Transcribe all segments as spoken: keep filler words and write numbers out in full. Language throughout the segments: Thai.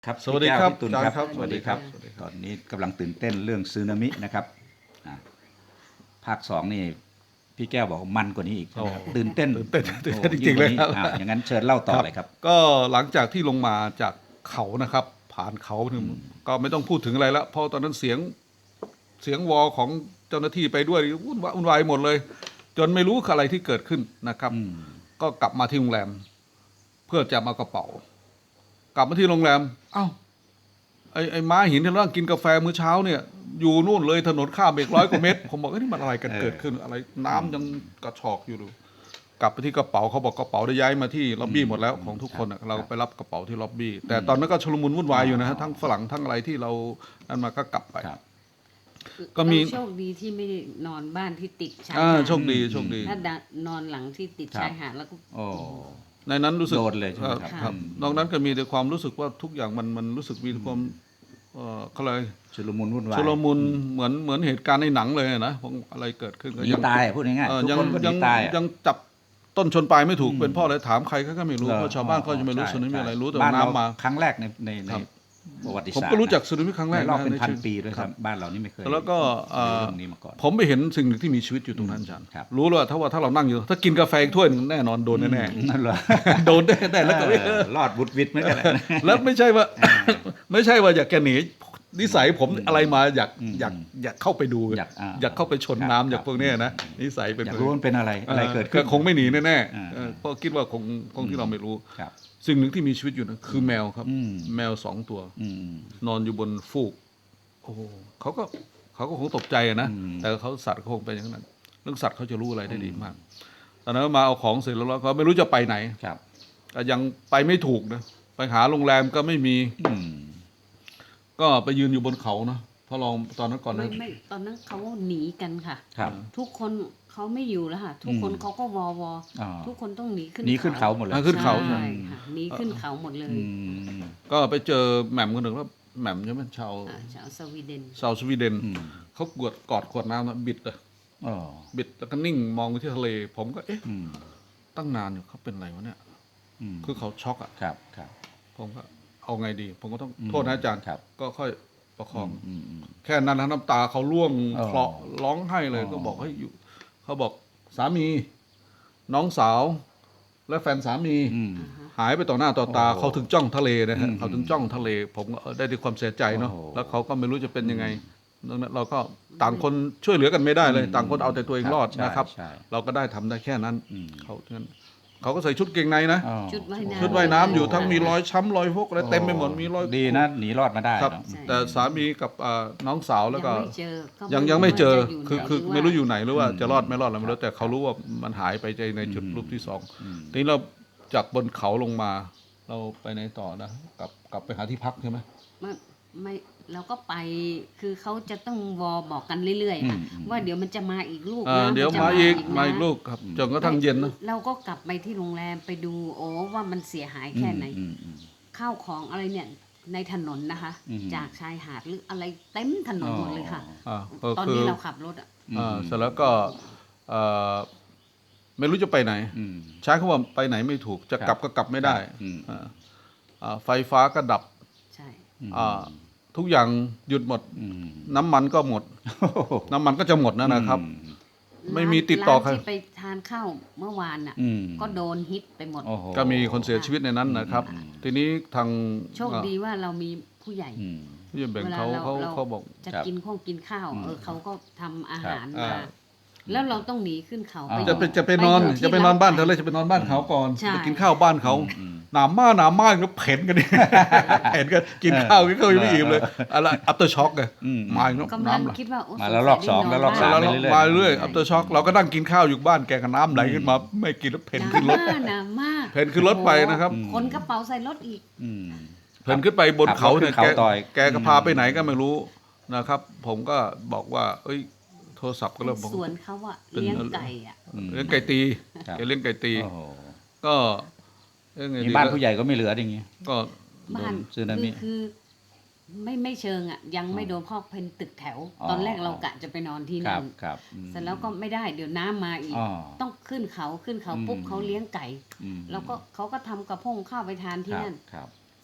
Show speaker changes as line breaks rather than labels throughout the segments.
ครับ
สวัสดีครับ
พี่ตุล
อาจารย์
ครับ
ครับ
สวัสดีครับ
สวัสดีครับ
ตอนนี้กำลังตื่นเต้นเรื่องสึนามินะครับอ่าภาคสองนี่พี่แก้วบอกมันกว่านี้อีกใช่ไหมครับ
โอ้
ตื่นเต้น
ตื่นเต้นตื่น
โอ้
เต้นจริงๆเลย
ยิ่ก
ครับ
ว่านี้อ่าอย่างนั้นเชิญเล่าต่อเลยครับ
ก็หลังจากที่ลงมาจากเขานะครับ ผ่านเขาถึงก็ไม่ต้องพูดถึงอะไรแล้วเพราะตอนนั้นเสียงเสียงวอของเจ้าหน้าที่ไปด้วยวุ่นวายวุ่นวายหมดเลย จนไม่รู้อะไรที่เกิดขึ้นนะครับ
อืม
ก็กลับมาที่โรงแรม เพื่อจะมากระเป๋า กลับมาที่โรงแรม เอ้าไอ้ไอ้ม้าหินที่เรานั่งกินกาแฟมื้อเช้าเนี่ย อยู่นู่นเลยถนนข้ามไปอีกร้อยกว่าเมตร ผมบอกเอ้ยนี่มันอะไรกัน
เออ
เกิดขึ้นอะไรน้ำยังกระชอกอยู่ดู กลับไปที่กระเป๋าเขาบอกกระเป๋าได้ย้ายมาที่ล็อบบี้หมดแล้วของทุกคนอะเราไปรับกระเป๋าที่ล็อบบี้แต่ตอนนั้นก็ชุลมุนวุ่นวายอยู่นะฮะทั้งฝรั่งทั้งอะไรที่เรานั่นมาก็กลับไป
ครับ
ก็มี
เราโชคดีที่ไม่ได้นอนบ้านที่ติดชาย
อ่า
หาด
โชคดีโชคดี
ถ้านอนหลังที่ติด
ครับ
ชายหาดแล้วก็
โอ้
ในนั้นรู้สึก
โดนเลยใช่ไหมครับ
ครับ
อืม
นอกนั้นก็มีแต่ความรู้สึกว่าทุกอย่างมันมันรู้สึกมีความเอ่อเขาเลย
ชุลมุนวุ่นวาย
ชุลมุนเหมือนเหมือนเหตุการณ์ในหนังเลยนะของอะไรเกิดขึ้น
ห
ก็
นี
ยัง
ตายอะพูดง่าย
เอ่อ
ๆทุก
ยัง
คนก็ห
ยั
นี
ง
ตายอะ
ยังจับต้นชนปลายไม่ถูก
อืม
เป็นเพ่ออะไรถามใครเขาก็ไม่รู้
หอ
เพราะชาวบ้านเขาจะไม่รู้
ใช่
สึนามิ
ใช่
อะไรรู้แต่
บ้าน
น้ำ
เร
มา
ครั้งแรกในในใน
ครับ
ประวัติ
ผม
ศาสตร์
ก็รู้จักสึนามิครั้งแรก
ในรอบเป็น
ะ
พัน
ชีวิต
ปีด้วย
ค
ค
รั
รับ บบ้านเรานี่ไม่เคย
แล้วก็เอ่อ
เรื่องนี้มาก่อน
ผมไปเห็นสิ่งหนึ่งที่มีชีวิตอยู่ตรงนั้นอาจารย์
ครับ
รู้เลยว่าถ้าว่าถ้าเรานั่งอยู่ ถ้ากินกาแฟอีกถ้วยหนึ่งแน่นอนโดนแน่
นั่นเหรอ
ๆโดนแน่ๆแล้วก็
เออรอดบุดวิดเหมือนกันนะ
แล้วไม่ใช่ว่า ไม่ใช่ว่าอยากแกหนีนิสัยผมอะไรมาอยาก
อืม
อยากอยากเข้าไปดู
อยากอ่า
อยากเข้าไปชน
ครับ
น้ำอยาก
ครับ
พวกเนี้ยนะนิสัยเป็น
อยากรู้ว่ามันเป็นอะไรอะไรเกิดขึ้น
คงไม่หนีแน่
อ่า
ๆเออเพราะคิดว่าคงคงที่เราไม่รู้
ครับ
สิ่งหนึ่งที่มีชีวิตอยู่นะคือแมวครับ
อืม
แมวสองตัว
อืม
นอนอยู่บนฟูกโอ้โหเขาก็เขาก็คงตกใจอะนะ
อืม
แต่เขาสัตว์เขาคงเป็นอย่างนั้นเรื่องสัตว์เขาจะรู้อะไรได้ดีมากตอนนั้นมาเอาของเสร็จแล้วแล้วก็ไม่รู้จะไปไหน
ครับ
ก็ยังไปไม่ถูกนะไปหาโรงแรมก็ไม่มี
อืม
ก็ไปยืนอยู่บนเขานะพอลองตอนนั้นก่อน
ไม่
นะ
ไม่ตอนนั้นเขาหนีกันค่ะ
ครับ
ทุกคนเขาไม่อยู่แล้วค่ะ ทุกคน
อืม
เขาก็วอวอ
อ๋อ
ทุกคนต้องหนีขึ้น
หนีขึ้นเขาหมดเลย
อ่าขึ้นเขาใช่
ใช่ค่ะหนีขึ้นเขาหมดเลย
อืม
ก็ไปเจอแหม่มคนหนึ่งแล้วแหม่มใช่ไหมชาว
อ่าชาวสวีเดน
ชาวสวีเดน
อืม
เขากวดกอดขวดน้ำนะบิดเลย
อ๋อ
บิดแล้วก็นิ่งมองไปที่ทะเล ผมก็เอ๊ะ
อืม
ตั้งนานอยู่เขาเป็นไรวะเนี่ย
อืม
คือเขาช็อกอ่ะ
ครับครับ
ผมก็เอาไงดี ผมก็ต้อง
อืม
โทษนะอาจารย์
ครับ
ก็ค่อยประคอง
อืมอืม
แค่นั้นนะน้ำตาเขาร่วง
อ๋อ
เคลาะร้องไห้เลย
อ๋อ
ก็บอกให้ยอยู่เขาบอกสามี น้องสาว และแฟนสามี
อืม
หายไปต่อหน้าต่อตา
โอ้โห
เขาถึงจ้องทะเลนะฮะ
อืม
เขาถึงจ้องทะเล ผมก็เออได้ด้วยความเสียใจเนาะ
โอ้โห
แล้วเขาก็ไม่รู้จะเป็นยังไงดังนั้นเราก็ต่างคนช่วยเหลือกันไม่ได้เลย
อืม
ต่างคนเอาแต่ตัวเองรอด
ใช่
นะครับ
ใช่
เราก็ได้ทำได้แค่นั้น
อืม
เขาฉะนั้นเขาก็ใส่ชุดเกงในนะ
อ๋อ
ชุดว่ายน้ำ
ชุดว่ายน้ำอยู่
โอ้
ทั้งมีรอยช้ำรอยพวกอะไรเต็มไปหมดมีรอย
ดีนะหนีรอดมาได้
ครับ
เนอะ
ใช่
แต่สามีกับอ่าน้องสาวแล้วก็
ยังไม่เจอก็
ยังยังไม่เจอ
ว่าจะยู่
คือ
ไหน
คือ
หว่า
ไม่รู้อยู่ไหนหรือว่าจะรอดไม่รอดอะไรไม่
ครั
รู้
บ
แต่เขารู้ว่ามันหายไปในในจุด
อืม
รูปที่สอง
อืม
ทีนี้เราจากบนเขาลงมา เราไปไหนต่อนะกลับกลับไปหาที่พักใช่ไหม
ไม่ไม่เราก็ไปคือเขาจะต้องวอบอกกันเรื่อยๆค่ะ
อืมอืม
ว่าเดี๋ยวมันจะมาอีกลูก
อ่า
นะ
เดี๋ยว
นจะ
มาอีก
นะ
มาอีกลูกครับจนกระทั่งเย็นนะ
เราก็กลับไปที่โรงแรมไปดูโอ้ว่ามันเสียหายแค่ไหน
อืมอืม
ข้าวของอะไรเนี่ยในถนนนะคะ
อืม
จากชายหาดหรืออะไรเต็มถนนหมดเลยค่ะ
อ่าก็
ตอน
คือ
นี้เราขับรถอ่ะ
อืม
อ่าเสร็จแล้วก็เอ่อไม่รู้จะไปไหน
อืม
ใช้คำว่าไปไหนไม่ถูกจะกลับ
ครับ
ก็กลับไม่ได้
อืม
อ่าอ่าไฟฟ้าก็ดับ
ใช่
อ่าทุกอย่างหยุดหมด
อืม
น้ำมันก็หมด น้ำมันก็จะหมดนะนะครับ ไม่มีติดต่อใคร
ร้านที่ไปทานข้าวเมื่อวานอ่ะ
อืม
ก็โดนฮิตไปหมด
โอ้โห
ก็มีคนเสียชีวิตในนั้นนะครับ
อืม
ทีนี้ทาง
โชคดีว่าเรามีผู้ใหญ่
อืม
ผู้ใหญ่แบ่ง
เวลา
เขา
เรา
เขา
เรา
เขาบอก
จะ
ครับ
กินข้องกินข้าว
อืม
เออเขาก็ทำอาหาร
ครับ
มา
อ่า
แล้วเราต้องหนีขึ้นเขา
อ่า
ไป
จะไป
อยู่
จะไปนอน
อยู่ที่
จะไปนอนบ้านเธอ
ร้
เลยจะไปนอนบ้านเขาก่อน
ใช่
ไปกินข้าวบ้านเขา
อืม
หนามมากหนามมากแล้วเผ็นกันดิ เผ็นกันกินข้าวกินข้าวยังไม่อิ่มเลยอะไรอัปเตอร์ช็อคไง
อืม
มาอีกแล้ว
กำลัง
น้ำไหล
คิดว่าโอ้
มาแล้วรอบสองแล้วรอบสาม
แล้ว
ไปเรื่อยๆ
มาเรื่อยอัปเตอร์ช็อคเราก็นั่งกินข้าวอยู่บ้านแกกับน้ำไหลขึ้นมาไม่กินแล้วเผ็นขึ้นรถ
หนามาก
เพ่นขึ้นรถไปนะครับ
โอ้โหขนกระเป๋าใส่รถอีก
อืม
เพ่นขึ้นไปบนเขาเนี่ย
ขับรถขึ้น
แก
เขาต่อย
แกก็พาไปไหนก็ไม่รู้นะครับ ผมก็บอกว่า เอ้ย โทรศัพท์ก็เริ่มบอก
สวนเขาอะ
เป็น
เลี้ยงไก่อะ
อืม
เลี้ยงไก่ตี
ครับ
แกเลี้ยงไก่ตี
โอ้โห
ก็เอ้ยไง
นี่
ดี
บ้านผู้ใหญ่ก็ไม่เหลืออย่างงี้
ก็
บ้าน
สึนามิ
คือคือไม่ไม่เชิงอะยังไม่โดนพ่อเป็นตึกแถว
อ๋อ
ตอนแรกเรากะจะไปนอนที่
ครั
นั่
บ
น
ครับอืม
เสร็จแล้วก็ไม่ได้เดี๋ยวน้ำมาอีก
อ๋อ
ต้องขึ้นเขาขึ้นเขาปุ๊บ
อืม
เขาเลี้ยงไก่
อืม
แล้วก็เขาก็ทำกระพงข้าวไปทานที่
ครับ
นั่น
ครับ
สรุป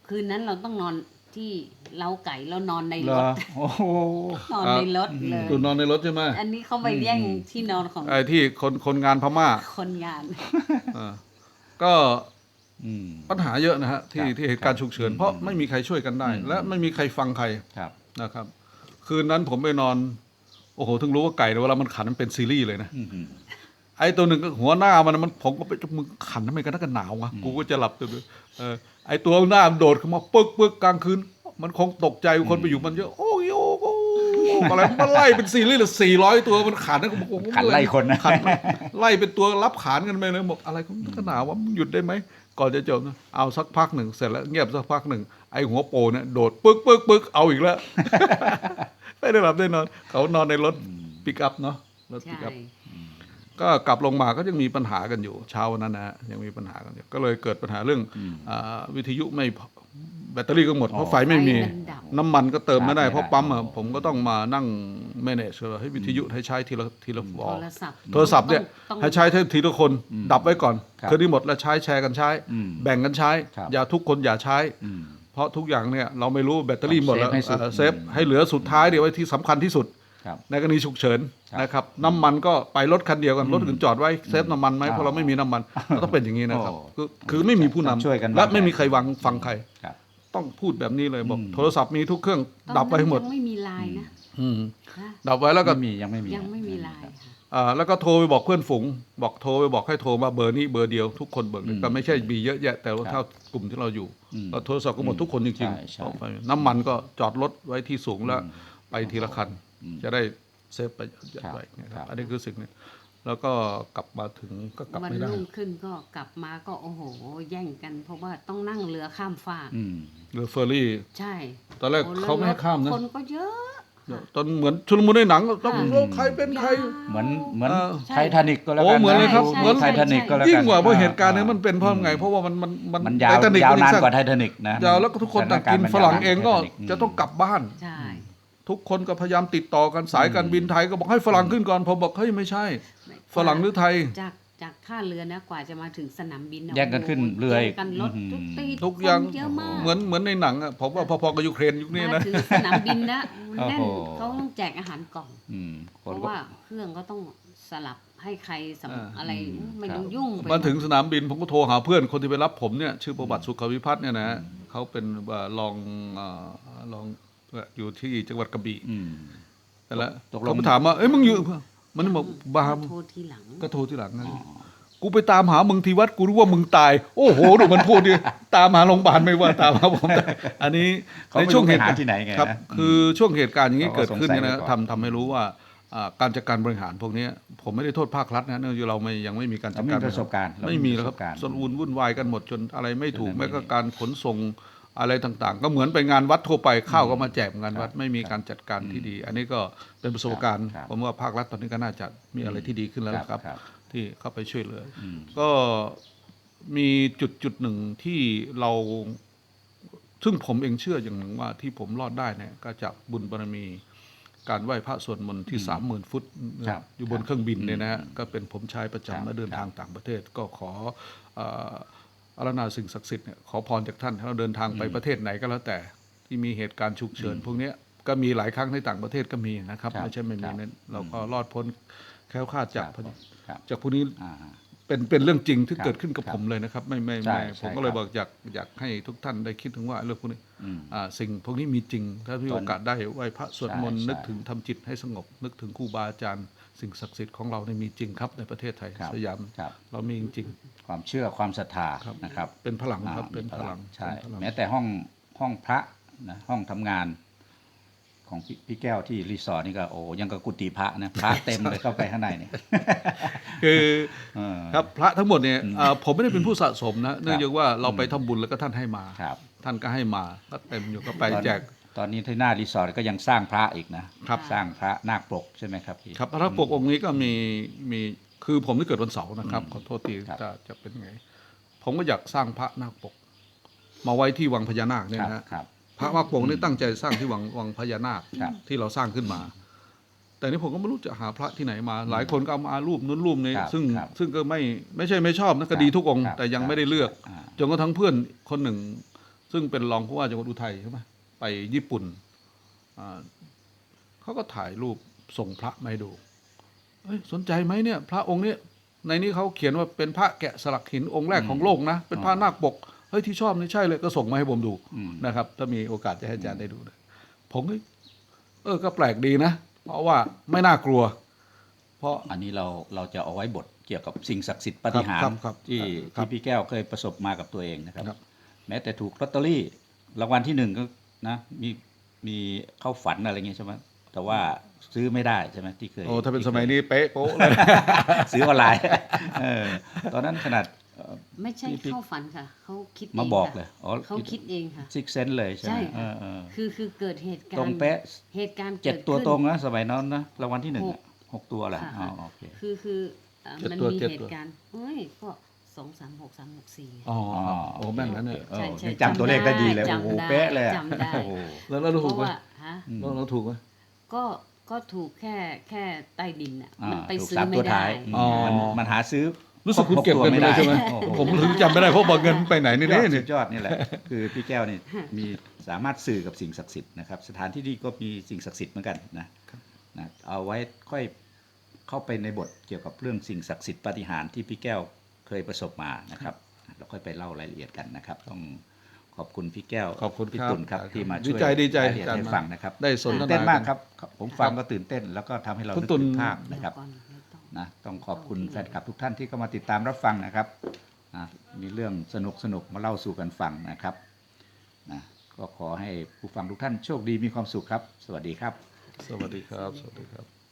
คืนนั้นเราต้องนอนที่เล้าไก่เรานอนใน
เหร
ร
อ
ถ
โอ้โห
นอนในรถเลย
ตุนนอนในรถใช่ไหม
อันนี้เขาไปแย่งที่นอนของ
ไอ้ที่คนคนงานพม่า
คนงาน
อ่าก็
อืม
ปัญหาเยอะนะฮะที่
ครับ
ที่เหตุการณ์ฉุกเฉิน
ครับ
เพราะไม่มีใครช่วยกันได้
อืม
และไม่มีใครฟังใคร
ครับ
นะครับ คืนนั้นผมไปนอน โอ้โหถึงรู้ว่าไก่เนี่ยเวลามันขันมันเป็นซีรีส์เลยนะ
อืมอืม
ไอ้ตัวหนึ่งก็หัวหน้ามันมันผมก็ไปมึงขันทำไมกันนักกันหนาววะกูก็จะหลับตัวเออไอ้ตัวหน้ามันโดดขึ้นมาปึ๊กปึ๊กกลางคืน มันคงตกใจคนไปอยู่มันเยอะโอ้ยโอ้ยโอ้ยอะไรมันไล่เป็นซีรีส์เลยสี่ร้อยตัวมันขันนะกูบอกโอ้โห
ขันไล่คนนะ
ขันมันไล่เป็นตัวรับขานกันไปเลยบอกอะไรของนักกันหนาววะมึงหยุดได้ไหมก่อนจะจบนะเอาสักพักหนึ่งเสร็จแล้วเงียบสักพักหนึ่งไอ้หัวโปเนี่ยโดดปึ๊กปึ๊กปึ๊กเอาอีกแล้ว ไม่ได้หลับได้นอนเขานอนในรถปิกอัพเนาะรถปิ
ใช่
กอัพ ก็กลับลงมาก็ยังมีปัญหากันอยู่เช้าวันนั้นนะฮะยังมีปัญหากันอยู่ก็เลยเกิดปัญหาเรื่องอาวิทยุไม่พอแบตเตอรี่ก็หมดเพราะไฟไม่มี
ไฟมันดับ
น้ำมันก็เติมไม่ได้
ชาร์จไม่ได้
เพราะปั๊มอะ
โอ้
ผมก็ต้องมานั่ง manage ให้วิทยุให้ใช้ทีละทีละวอ
โท
ล
รศัพท์
โทรศัพท์เนี่ย
ต้อง
ให้ใช้ทีละคน ดับไว้ก่อน
ครับ
คืนนี้หมดแล้วใช้แชร์กันใช้
อืม
แบ่งกันใช้
ครับ
อย่าทุกคนอย่าใช้
อืม
เพราะทุกอย่างเนี่ยเราไม่รู้แบตเตอรี่หมดแล้ว
เซฟให้สุด
เอ่อเซฟ
อืม
ให้เหลือสุดท้ายเดี๋ยวไว้ที่สำคัญที่สุด
ครับ
ในกรณีฉุกเฉิน
ครับ
นะครับน้ำมันก็ไปรถคันเดียวกันรถอื่นจอดไว้เซฟน้ำมันไหม
อ๋อ
เพราะเราไม่มีน้ำมันเราต้องเป็นอย่างนี้นะครับ
โอ้
คือคือไม่มีผู้นำ
ช่วยกัน
และ
วางแผน
ไม่มีใครวังฟังใคร
ครับ
ต้องพูดแบบนี้เลยบอก
อืม
โทรศัพท์มีทุกเครื่อง
ตอน
ดับไปให้หมด
นั้นยังไม่มีไลน์นะ
อืม
ฮะ
ดับไว้แล้วก็
ไม่มียังไม่มี
ยังไม่มีไลน์ค่ะ
อ่าแล้วก็โทรไปบอกเพื่อนฝูงบอกโทรไปบอกให้โทรมาเบอร์นี้เบอร์เดียวทุกคนเบอร์
อืม
ก็ไม่ใช่มีเยอะแยะแต่ว่า
ครับ
เท่ากลุ่มที่เราอยู่
อืม
เราโทรศัพท์ก็หมดทุกคนจริง
ใช่ใช่
ๆเอาไปน้ำมันก็จอดรถไว้ที่สูงแล้วไปทีละคัน
อืม
จะได้เซฟไป
ครับ
ไว้นะค
ครั
รับบ อันนี้คือสิ่งนี้แล้วก็กลับมาถึงก็กลับ
วัน
ไม่ได้
รุ่งขึ้นก็กลับมาก็โอ้โห แย่งกัน เพราะว่าต้องนั่งเรือข้ามฟาก
อืม
เรือเฟอร์รี่
ใช่
ตอนแรก
โอ้แล้ว
เขาไม่ให้ข้ามนะ
คนก็เยอะ
ตอนเหมือนชุลมุนในหนังต้อง
ค่ะ
รู้ใครเป็นใคร
เหมือนเหมือน
เออ
ไททานิกก็แล้วกัน
โอ้เหมือนเลยครับ
ะ
เหมือน
ไททานิกก็แล้วกัน
ยิ่งกว่าเพราะเหตุการณ์นี้
อ่
มันเป็นเพราะไง เพราะว่ามันมัน
มันยาว
ไททนิค
ยาว
มั
นาน
สั้
กว่าไททานิกนะ
ยาวแล้วก็ทุกคนต่างกินฝรั่งเองก็จะต้องกลับบ้าน
ใช่
ทุกคนก็พยายามติดต่อกันสายการบินไทยก็บอกให้ฝรั่งขึ้นก่อนผมบอกเฮ้ยไม่ใช่ ฝรั่งหรือไทย
จากจากท่าเรือนะกว่าจะมาถึงสนามบินนะ
แย่งกันขึ้นเรือ
แย่
อี
ง
ก
กันรถ
อืม
ทุกตี
ทุกอย่าง
คนเยอะมาก
เหมือนเหมือนในหนังอ่ะผมว่าพอๆกับยูเครนยุคนี้
มา
นะ
ถึงสนามบินนะ
โอ้โห
แน่นเขาต้องแจกอาหารกล่อง
อืมค
เพ
น
ราะ
ก็
ว่าเครื่องก็ต้องสลับให้ใครสำ
อ่า
อะไร
อืม
ไม่
ครับ
ต้องยุ่งไป
มาถึงสนามบินผมก็โทรหาเพื่อนคนที่ไปรับผมเนี่ยชื่อประวัติสุขวิพัฒน์เนี่ยนะเขาเป็นเอ่อรองเอ่อรองอยู่ที่จังหวัดกระบี่
อืม
นั่นแหละ
ตกลง
เขาไปถามว่าเอ้ยมึงอยู่มันบอกบา
โทรทีหลัง
ก็โทรที่หลังนะกูไปตามหามึงที่วัดกูรู้ว่ามึงตาย โอ้โหดูมันพูดดิตามหาโรงพยาบาลไม่ว่าตามหาผมตายอันนี้
เขาไม่
ในช่วง
รู้
เห
ไป
ตุ
หา
การณ์
ที่ไหนไง
ครับ
นะ
คือช่วงเหตุการณ์อย่างนี้
เขาก็
เกิดขึ้นเนี่ย
สงสั
นะ
ยไว้ก่อน
ทำทำให้รู้ว่าอ่าการจัดการบริหารพวกเนี้ยผมไม่ได้โทษภาครัฐนะเนื่องจากเราไม่ยังไม่มีการจั
เรา
ด
ไม่
การ
มีประสบการณ์เรา
ไม่มีแล้วครับ
ปะสการณ์
ส่วนวุ่นวุ่นวายกันหมดจนอะไรไม่ถูก
จนไม่
แม้ก็
มี
การขนส่งอะไรต่างๆ ก็เหมือนไปงานวัดทั่วไปข้าวก็มาแจกงานวัด
ครับ
ไม่มีการจัดการที่ดี อันนี้ก็เป็นประสบการณ์
ครับ
ผมว่าภาครัฐตอนนี้ก็น่าจะมีอะไรที่ดีขึ้นแล้วนะครับ
ครับ
ที่เข้าไปช่วยเหลืออ
ม
ก็มีจุดจุดหนึ่งที่เรา ซึ่งผมเองเชื่ออย่างหนึ่งว่าที่ผมรอดได้เนี่ยก็จากบุญบารมี การไหว้พระสวดมนต์ที่สามหมื่นฟุต
ครับ
อยู่บนเครื่องบินเนี่ยนะฮะ
อืม
ก็เป็นผมใช้ประ
ครับ
จำเมื่อเดินทางต่างประเทศ ก็ขอเอ่ออาราธนาสิ่งศักดิ์สิทธิ์เนี่ยขอพรจากท่านให้เราเดินทางไปประเทศไหนก็แล้วแต่ที่มีเหตุการณ์ฉุกเฉินพวกเนี้ยก็มีหลายครั้งในต่างประเทศก็มีนะครับ
ครับ
ไม่ใช่ไม่มี
ครับ
นั้นเราก็รอดพ้นแคล้วคลาดจาก
ครับครับ
จากพวกนี้
อ่า
เป็นเป็นเรื่องจริงที่
ครับ
เกิดขึ้นกับ
ครับ
ผมเลยนะครับ ไม่ไม่
ใช่
ไม่
ใช่
ผมก็เลย
ครับ
บอกอยากอยากให้ทุกท่านได้คิดถึงว่าเรื่องพวกนี้
อืม
อ่าสิ่งพวกนี้มีจริง ถ้ามี
ตอน
โอกาสได้ไหว้พระสวดมนต์
ใช่
นึกถึงทำจิตให้สงบ นึกถึงครูบาอาจารย์สิ่งศักดิ์สิทธิ์ของเราเนี่ยมีจริงครับในประเทศไทย
ครับ
สยาม
ครับ
เรามีจริง
ความเชื่อความศรัทธา
ครับ
นะครับ
ๆเป็นพลังครับ
อ่า
เป็นพลัง
ใช่
เป็นพลัง
แม้แต่ห้องห้องพระนะห้องทำงานของพี่พี่แก้วที่รีสอร์ทนี่ก็โอ้ยังกับกุฏิพระนะพระเต็มเลยเข้าไปข้างในนี่
คือ
เออ
ครับพระทั้งหมดเนี่ยอ่าผมไม่ได้เป็นผู้สะสมนะเนื่องจากว่าเราไปทำบุญแล้วก็ท่านให้มา
ครับ
ท่านก็ให้มาก็เต็มอยู่ก็ไป
ตอน
แจก
ตอนนี้ที่หน้ารีสอร์ทก็ยังสร้างพระอีกนะครับ สร้างพระนาคปกใช่ไหมครับพี่
ครับพระปกองค์นี้ก็มีมีคือผมที่เกิดวันเสาร์นะครับ
อืม
ขอโทษที
ครับ
จะจะเป็นไง ผมก็อยากสร้างพระนาคปก มาไว้ที่วังพญานาคเนี่ย
ครับ
นะฮะ
ครับ
พระนาคปกนี่ตั้งใจสร้างที่วังวังพญานาค
ครับ
ที่เราสร้างขึ้นมา แต่นี่ผมก็ไม่รู้จะหาพระที่ไหนมา หลายคนก็เอามารูปนู้นรูปนี้
ครับ
ซึ่ง
ครับ
ซึ่งก็ไม่ไม่ใช่ไม่ชอบนะก็ดีทุกองค์
ครับ
แต่ยังไม่ได้เลือก
อ่า
จนกระทั่งเพื่อนคนหนึ่ง ซซึ่งเป็นรองผู้ว่าจังหวัดอุทัยใช่ไหมไปญี่ปุ่นอ่าเขาก็ถ่ายรูปส่งพระมาให้ดูเอ้ยสนใจไหมเนี่ย พระองค์เนี้ยในนี้เขาเขียนว่าเป็นพระแกะสลักหินองค์แรกของโลกนะเป็นพระนาคปกเฮ้ยที่ชอบนี่ใช่เลยก็ส่งมาให้ผมดู
อืม
นะครับถ้ามีโอกาสจะให้อาจารย์ได้ดูนะผมก็เออก็แปลกดีนะ เพราะว่าไม่น่ากลัว เพราะ
อันนี้เราเราจะเอาไว้บทเกี่ยวกับสิ่งศักดิ์สิทธิ์ปาฏิหา
ครั
ริ
บ
ย์
ครับ
ที่
ครับ
ที่พี่แก้วเคยประสบมากับตัวเองนะครับ
ครับ
แม้แต่ถูกลอตเตอรี่รางวัลที่หนึ่งก็นะมีมีเข้าฝันอะไรเงี้ยใช่ไหมแต่ว่าซื้อไม่ได้ใช่ไหมที่เคย
โอ้ถ้าเป็น
ที่
สมัย
ค
นี้เป๊ะโป๊ะเลย
ซื้อออนไลน์ เออตอนนั้นขนาดเอ่อ
ไม่ใช่
พี่
เข้าฝันค่ะเขาคิด
มา
เอง
บอก
ค่ะ
เลยอ๋อ
เขาคิดเองค่ะ
ซิกเซนเลยใช่ไหม
ใช่
เอ
ค่ะ
อเออ
คือคือเกิดเหตุการณ์
ตรงเป๊ะ
เหตุการณ์
เจ็ด
กิ
ตัว
ขึ้น
ตรงนะสมัยนั้นนะรางวัลที่หนึ่ง
ห
อะ
ก
หกตัวแหละ
ค่ะ
อ๋อโอเค
คือคือเอ่อ
เจ็ด
มัน
ตัว
มี
เจ็ด
เห
ตัว
ตุการณ์เฮ้ยก็สองสามหกสามหกสี่
อ๋อโอ้แม่นแล้วเนี่ย
เออ
ใช่ใช่
ยังจำตัวเลขได้ดีเลย
จำ
โอ้โห
ได้
เป๊ะเลยอะ
จำได้
โอ้โห
แล้วแล้วเรา
เพ
ถูก
ราะ
ไหม
ว่าฮะ
เราเราถูกไหม
ก็ก็ถูกแค่แค่ใต้ดินอ่ะ
อ่า
มันไป
ถูก
ซื้อ
สาม
ไม่
ตัว
ได้
ท้าย
อ๋อ
มันมันหาซื้อ
รู้สึกคุณเก็บเงินไปเลยใช่ไหม
โอ้โห
ผมถึงจำไม่ได้เพราะบอกเงินไปไหนนี่
ยอ
นี่
ด
นี่
สุดยอดนี่แหละ คือพี่แก้วนี่มีสามารถสื่อกับสิ่งศักดิ์สิทธิ์นะครับสถานที่นี่ก็มีสิ่งศักดิ์สิทธิ์เหมือนกันนะนะเอาไว้ค่อยเข้าไปในบทเกี่ยวกับเรื่องสิ่งศักดิ์สิทธิ์ปาฏิหาริย์ที่พี่แก้วเคยประสบมานะครับเราค่อยไปเล่ารายละเอียดกันนะครับ ต้องขอบคุณพี่แก้ว
ขอบคุณ
พี่
ครับ
ตุ่นครับที่มา
ดี
ช่วย
ใจดีใจ
รายละเอียด
อาจารย์
ให้ฟังนะครับ
ได้สนท
ตื่น
นา
เต้นมาก
กั
ครับ ผมฟังก็ตื่นเต้น แล้วก็ทำให้เรา
คุณ
นึก
ตุ่น
ถึงภาพ
เดี๋
นะ
ยว
ครับ
ก่อนเดี๋ยวต้อง
นะต้องขอบคุณแฟนคลับทุกท่านที่เข้ามาติดตามรับฟังนะครับนะมีเรื่องสนุกสนุกมาเล่าสู่กันฟังนะครับนะก็ขอให้ผู้ฟังทุกท่านโชคดีมีความสุขครับ สวัสดีครับ
สวัสดีครับ สวัสดีครับ